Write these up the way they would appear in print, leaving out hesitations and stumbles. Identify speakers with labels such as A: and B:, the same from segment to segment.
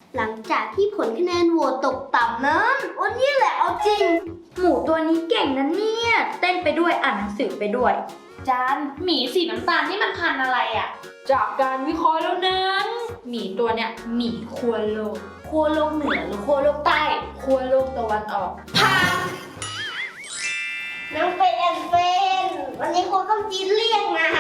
A: หลังจากที่ผลคะแนนโหวตตกต่ำนั้นวันนี้แหละเอาจริงหมูตัวนี้เก่งนะเนี่ยเต้นไปด้วยอ่านหนังสือไปด้วย
B: จานหมีสีน้ำตาลนี่มันพันธุ์อะไรอ่ะจากการวิเคราะห์แล้วนั้นหมีตัวเนี้ยหมีขั้วโลกเหนือหรือขั้วโลกใต้ขั้วโลกตะวันออก
A: น้องเป็นแอนเฟนวันนี้ครูต้องจีนเรียกนะ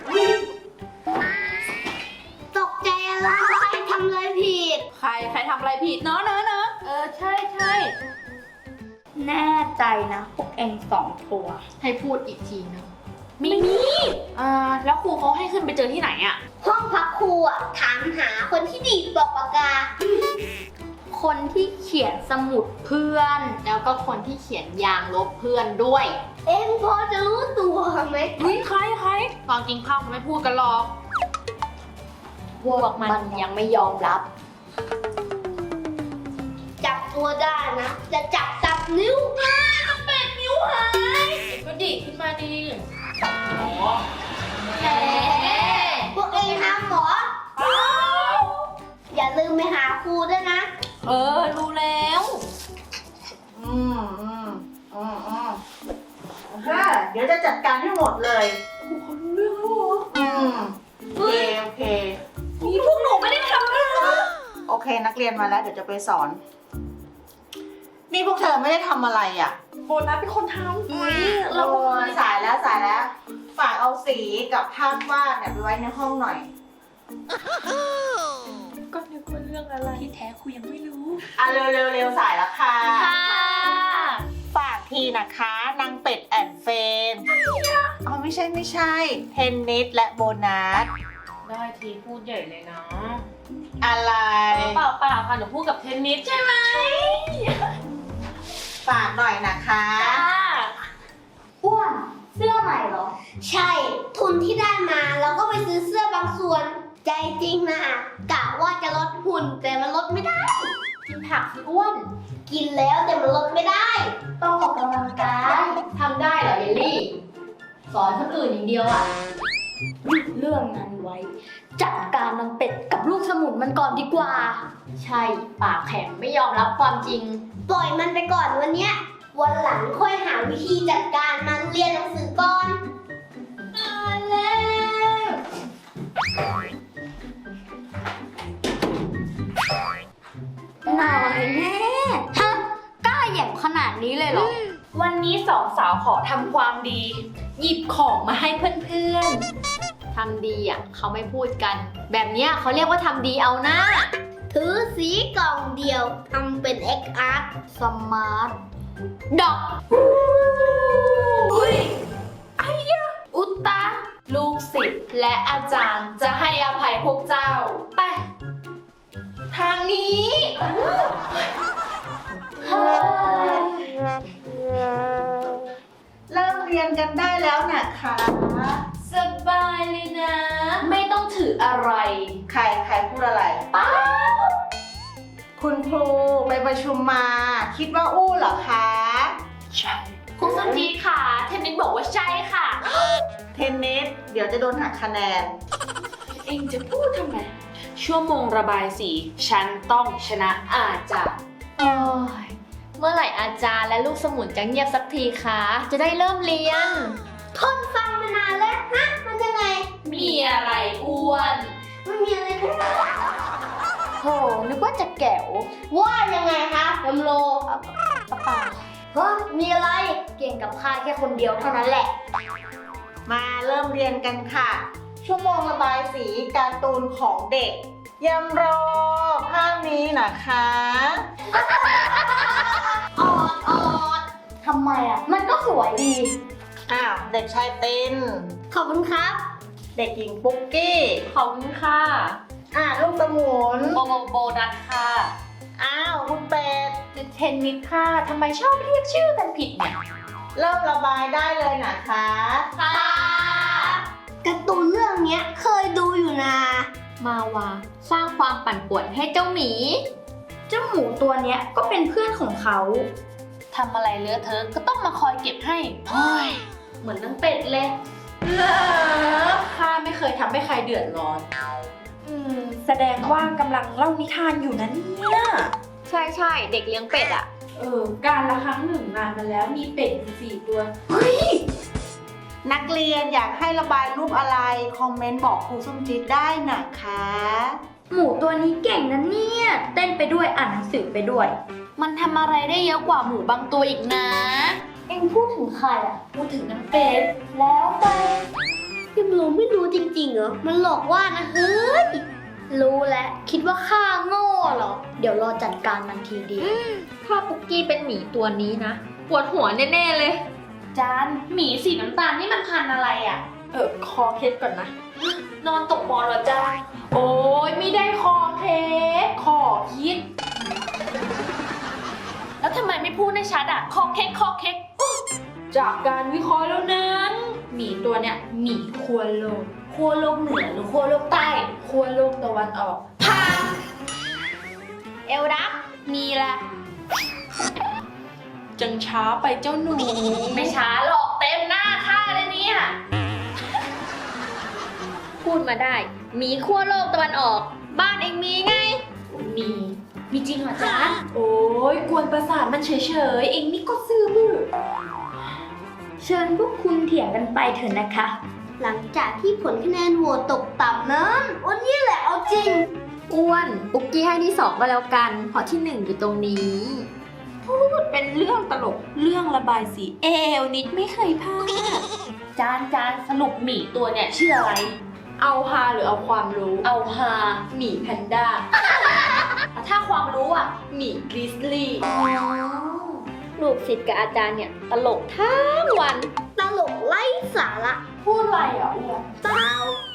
A: ตกใจอะไรทำอะไรผิด
B: ใครทำอะไรผิดเนาะใช่
A: แน่ใจนะพวกเอง2 ตัว
B: ให้พูดอีกทีนะมีแล้วครูเขาให้ขึ้นไปเจอที่ไหนอ่ะ
A: ห้องพักครูอ่ะถามหาคนที่ดีดปากปากกาคนที่เขียนสมุดเพื่อน
B: แล้วก็คนที่เขียนยางลบเพื่อนด้วย
A: เอ็งพอจะรู้ตัวไหม
B: ใครตอนกินข้าวเขาไม่พูดกันหรอกพวกมันยังไม่ยอมรับ
A: จับตัวได้นะจะจับตับนิ้ว8 นิ้วหาย
B: ก็ดีขึ้นมาดี
A: แหมพวกเองทำหรออย่าลืมไปหาครูด้วยนะ
B: รู้แล้ว
C: เดี๋ยวจะจัดการให้หมดเลย
B: ครูเขารู้เรื่องแล้วเหรอ
C: โอเค
B: นี่พวกหนูไม่ได้ทำเลยนะ
C: โอเคนักเรียนมาแล้วเดี๋ยวจะไปสอนนี่พวกเธอไม่ได้ทำอะไรอ่ะ
B: โบนัสเป็นคนทำ
C: เราสายแล้วฝากเอาสีกับภาพวาดเนี่ยไปไว้ในห้องหน่อย
B: ก็นึกว่าเรื่องอะไรที่แท้ครูยังไม่รู้
C: เร็วสายแล้วค่ะฝากทีนะคะนางเป็ดแอนเฟนไม่ใช่เทนนิสและโบนัส
B: ได้ทีพูดใหญ่เลยนะ
C: อะไร
B: เปล่าค่ะหนูพูดกับเทนนิสใช่ไหม
C: ฝากหน่อยนะคะ
A: อ้วนเสื้อใหม่เหรอใช่ทุนที่ได้มาเราก็ไปซื้อเสื้อบางส่วนใจจริงนะกะว่าจะลดหุ่นแต่มันลดไม่ได้
B: กินผักสิอ้วน
A: กินแล้วแต่มันลดไม่ได้ต้องออกกำลังกาย
B: ทำได้เหรอเยลลี่สอนคนอื่นอย่างเดียวอ่ะ
A: หยุดเรื่องนั้นไว้จัดการนางเป็ดกับลูกสมุนมันก่อนดีกว่า
B: ใช่ปากแข็งไม่ยอมรับความจริง
A: ปล่อยมันไปก่อนวันเนี้ยวันหลังค่อยหาวิธีจัดการมันเรียนหนังสือก่อนแล้วหน่อยแม่ฮะกล้าแหย่งขนาดนี้เลยเหรอ
B: วันนี้2 สาวขอทำความดีหยิบของมาให้เพื่อนๆทำดีอ่ะเขาไม่พูดกันแบบนี้เขาเรียกว่าทำดีเอาหน้า
A: ถือสีกล่องเดียวทำเป็น X Art Smart ดอก
B: ไอ้ยะอุตตะลูกศิษย์และอาจารย์จะให้อภัยพวกเจ้าไปทางนี้
C: เริ่มเรียนกันได้แล้วนะคะ
B: สบายเลยนะไม่ต้องถืออะไร
C: ใครพูดอะไร
B: ป้า
C: คุณครูไปประชุมมาคิดว่าอู้เหรอคะ
B: ใช่ครูสันจีค่ะเทนนิสบอกว่าใช่ค่ะ
C: เทนนิสเดี๋ยวจะโดนหักคะแนน
B: เองจะพูดทำไมชั่วโมงระบายสีฉันต้องชนะอาจารย์เมื่อไหร่อาจารย์และลูกสมุนจะเงียบสักทีคะจะได้เริ่มเรียน
A: ทนฟังมานานแล้วฮะมันยังไง
B: มีอะไรอ้วน
A: มันมีอะไรกัน
B: โหนึกว่าจะแก๋ว
A: ว่ายังไงคะลำโลป่าเฮ้ยมีอะไรเก่งกับข้าแค่คนเดียวเท่านั้นแหละ
C: มาเริ่มเรียนกันค่ะชั่วโมงระบายสีการ์ตูนของเด็กยังรอภาพนี้นะคะ
A: อดทำไมอ่ะมันก็สวยดี
C: เด็กชายติน
A: ขอบคุณครับ
C: เด็กหญิงปุ๊กกี้
B: ขอบคุณค่ะ
C: ลูกสมุน
B: โบนัสค่ะ
C: คุณเป็ด
B: เทนนิสค่ะทำไมชอบเรียกชื่อกันผิดเนี่ย
C: เริ่มระบายได้เลยนะคะ
B: ค่ะ
A: การ์ตูนเรื่องนี้เคยดูอยู่นะ
B: มาวาสร้างความปั่นป่วนให้เจ้าหมี
A: เจ้าหมูตัวเนี้ยก็เป็นเพื่อนของเขา
B: ทำอะไรเลอะเทอะก็ต้องมาคอยเก็บให้เหมือนนางเป็ดเลยข้าไม่เคยทำให้ใครเดือดร้อน
D: แสดงว่ากำลังเล่านิทานอยู่นะเนี่ย
B: ใช่เด็กเลี้ยงเป็ดอะ
D: การละครั้งหนึ่งนานมาแล้วมีเป็ดอยู่4 ตัว
C: นักเรียนอยากให้ระบายรูปอะไร คอมเมนต์บอกครูส้มจี๊ดได้นะคะ
A: หมูตัวนี้เก่งนะเนี่ย เต้นไปด้วยอ่านหนังสือไปด้วย
B: มันทำอะไรได้เยอะกว่าหมูบางตัวอีกนะ
A: เอ็งพูดถึงใครอ่ะ
B: พูดถึงน้ำเป็ด
A: แล้วไปยังไม่รู้จริงๆเหรอ มันหลอกว่านะเฮ้ย รู้แล้วคิดว่าข้าโง่เหรอ เดี๋ยวรอจัดการมันทีเดียว
B: ถ้าปุกกี้เป็นหมีตัวนี้นะปวดหัวแน่ๆเลย จานหมีสีน้ำตาลนี่มันพันธุ์อะไรอะ
D: คอเคล็ดก่อนนะ
B: นอนตกหมอนเหรอจานโอ้ยไม่ได้คอเคกคอคิด แล้วทำไมไม่พูดให้ชัดอะคอเค้กคอเค้ก
D: จากการวิเคราะห์แล้วนั้นหมีตัวเนี้ยหมีขั้วโลก
B: ขั้วโลกเหนือหรือขั้วโลกใต้
D: ขั้วโลกตะวันออก
B: เอลดักมีละ
D: จังช้าไปเจ้าหนู
B: ไม่ช้าหรอกเต็มหน้าค่าเลยเนี่ย พูดมาได้ มีขั้วโลกตะวันออก บ้านเองมีไง มีจริงเหรอจ๊ะ
D: โอ้ยกวนประสาทมันเฉยๆ เองนี่ก็ซื่อบื้อ
A: เชิญพวกคุณเถียงกันไปเถอะนะคะ หลังจากที่ผลคะแนนโหวตตกต่ำนั้นวันนี้แหละเอาจริง
B: อ้วนปุกกี้ให้ที่ 2 ก็แล้วกัน เพราะที่ 1 อยู่ตรงนี้
D: พูดเป็นเรื่องตลก เรื่องระบายสีเอวนิดไม่เคยพลาด
B: จานสรุปหมีตัวเนี่ยชื่ออะไร
D: เอาฮาหรือเอาความรู้
B: เอาฮา
D: หมีแพนด้า
B: ถ้าความรู้อ่ะ
D: หมีกริซลี่
B: ลูกศิษย์กับอาจารย์เนี่ย ตลกทั้งวัน
A: ตลกไร้สาระ
D: พูดอะไรอ่ะอ้วน
A: เปล่า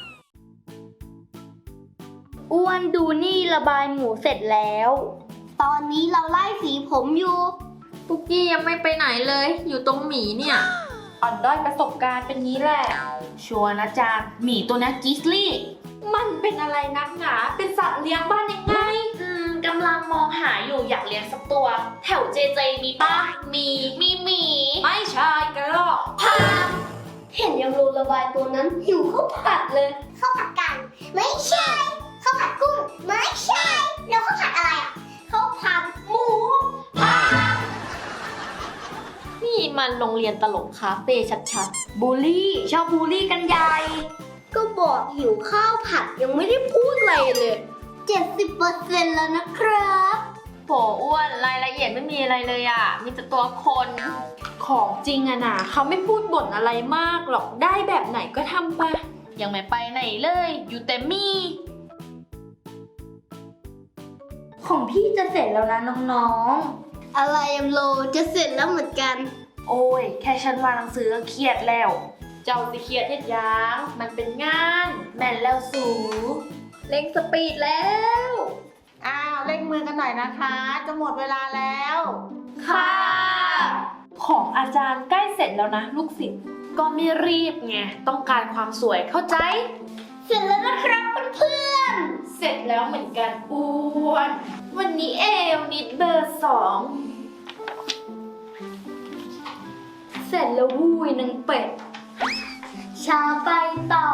A: อ้วนดูนี่ระบายหมูเสร็จแล้ว ตอนนี้เราไล่สีผมอยู่
B: ปุกกี้ยังไม่ไปไหนเลย อยู่ตรงหมีเนี่ย
D: อ่อนด้อยประสบการณ์เป็นงี้แหละ
B: ชัวร์นะจานหมีตัวนี้กิสลี่
D: มันเป็นอะไรนักหนา เป็นสัตว์เลี้ยงบ้านยังไง
B: กำลังมองหาอยู่อยากเลี้ยงสักตัว แถวเจเจมีป้ามีหมี
D: ไม่ใช่กระรอก
A: เห็นยังโรระบายตัวนั้นหิวข้าวผัดเลยข้าวผัดกัน ไม่ใช่ข้าวผัดกุ้งไม่ใช่แล้วข้าวผัดอะไรอ่ะข้าวผัดหมู
B: นี่มันโรงเรียนตลกคาเฟ่ชัดๆบูลลี่ชอบบูลลี่กันใหญ่
A: ก็บอกหิวข้าวผัดยังไม่ได้พูดอะไรเลย 70% แล้วนะครับ
B: โหอ้วนรายละเอียดไม่มีอะไรเลยอ่ะ มีแต่ตัวคน
D: ของจริงอะนะเขาไม่พูดบ่นอะไรมากหรอก ได้แบบไหนก็ทำไป
B: ยังไม่ไปไหนเลย อยู่แต่มี
A: ของพี่จะเสร็จแล้วนะน้องๆ อะไรยำโลจะเสร็จแล้วเหมือนกัน
B: โอ้ย แค่ฉันวางหนังสือก็เครียดแล้ว เจ้าสิเครียดเฮ็ดหยังมันเป็นงาน แม่นแล้วสูเร่งสปีดแล้ว
C: อ้าวเร่งมือกันหน่อยนะคะ จะหมดเวลาแล้ว
B: ค่ะ
D: ของอาจารย์ใกล้เสร็จแล้วนะ ลูกศิษย์
B: ก็ไม่รีบไง ต้องการความสวยเข้าใจ
A: เสร็จแล้วนะครับเพื่อน
D: เสร็จแล้วเหมือนกันอ้วน วันนี้เอวนิดเบอร์
A: ๆ เสร็จแล้ววุ้ยนางเป็ด ชาไปต่อย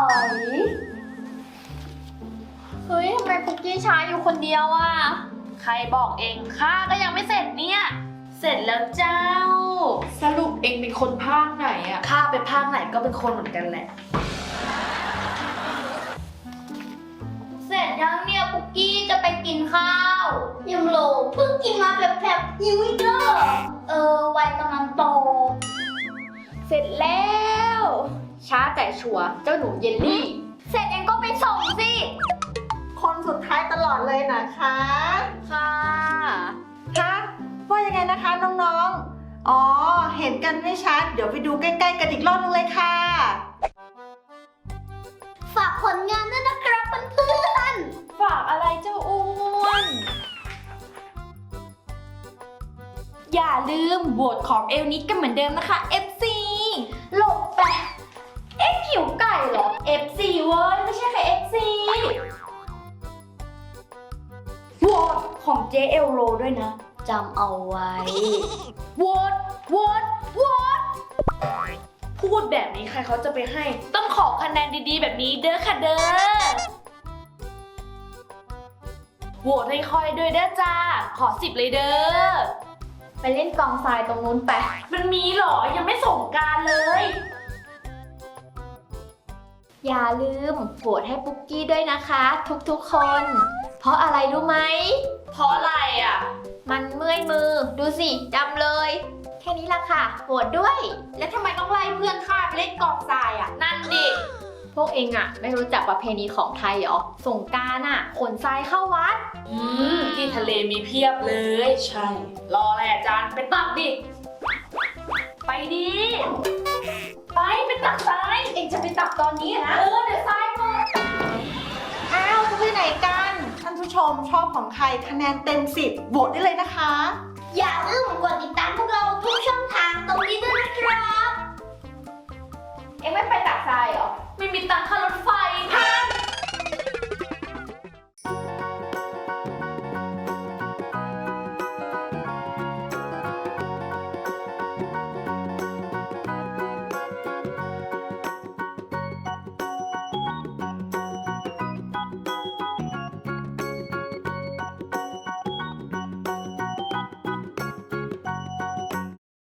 B: เฮ้ย ทำไมปุกกี้ช้าอยู่คนเดียวอ่ะ ใครบอกเองข้าก็ยังไม่เสร็จเนี่ย เสร็จแล้วเจ้า
D: 2 สรุปเองเป็นคนภาคไหนอะ
B: ข้าไปภาคไหนก็เป็นคนเหมือนกันแหละ
A: เสร็จยังเนี่ยปุกกี้จะไปกินข้าวยำโลเพิ่งกินมาแบบหิวอีกแล้ววัยกำลังโต
B: เสร็จแล้ว ช้าแต่ชัวร์เจ้าหนูเยลลี่
A: เสร็จเองก็ไปส่งสิ
C: คนสุดท้ายตลอดเลยนะคะ
B: ค่ะ
C: คะว่ายังไงนะคะน้องๆ อ๋อ เห็นกันไม่ชัด เดี๋ยวไปดูใกล้ๆกันอีกรอบนึงเลยค่ะ
A: ฝากผลงานด้วยนะครับเพื่อน
D: ฝากอะไรเจ้าอ้วน อย่าลืมโหวตของเอลนิดกันเหมือนเดิมนะคะ FC
A: ๆหลบไปหิวไก่เหรอ
D: FC เว้ยไม่ใช่แค่ FC โหวตของเจเอลโลด้วยนะ
A: จำเอาไว้
D: โหวตโหวตโหวต
B: พูดแบบนี้ใครเขาจะไปให้ ต้องขอคะแนนดีๆ แบบนี้เด้อค่ะเด้อโหวตให้คอยด้วยเด้อจ้า ขอ10เลยเด้อ
D: ไปเล่นกองทรายตรงนู้นไป
B: มันมีเหรอ ยังไม่ส่งกรารเลย
D: อย่าลืมโหวตให้ปุ๊กกี้ด้วยนะคะ ทุกๆคน เพราะอะไรรู้ไหม
B: เพราะอะไรอ่ะ
D: มันเมื่อยมือ ดูสิดำเลย แค่นี้ละค่ะโหวตด้วย แล้วทำไมต้องไล่เพื่อนข้าไปเล่นกองทรายอ่ะ
B: นั่นดิ
D: พวกเองอ่ะ ไม่รู้จักประเพณีของไทยเหรอ สงกรานต์อ่ะขนทรายเข้าวัด
B: ที่ทะเลมีเพียบเลย ใช่ รอแหละอาจารย์ไปตักดิ ไปดิ ไปตักทราย
D: เองจะไปตักตอนนี้นะ
B: เดี๋ยวทรายหมด
C: อ้าวจะไปไหนกัน ท่านผู้ชมชอบของใครคะแนนเต็ม10โหวตได้เลยนะคะ
A: อย่าลืมกดติดตามพวกเราทุกช่องทางตรงนี้ด้วยนะครับ
D: เองไม่ไปตักทรายเหรอ
B: ไม่มีตังค่ารถไฟ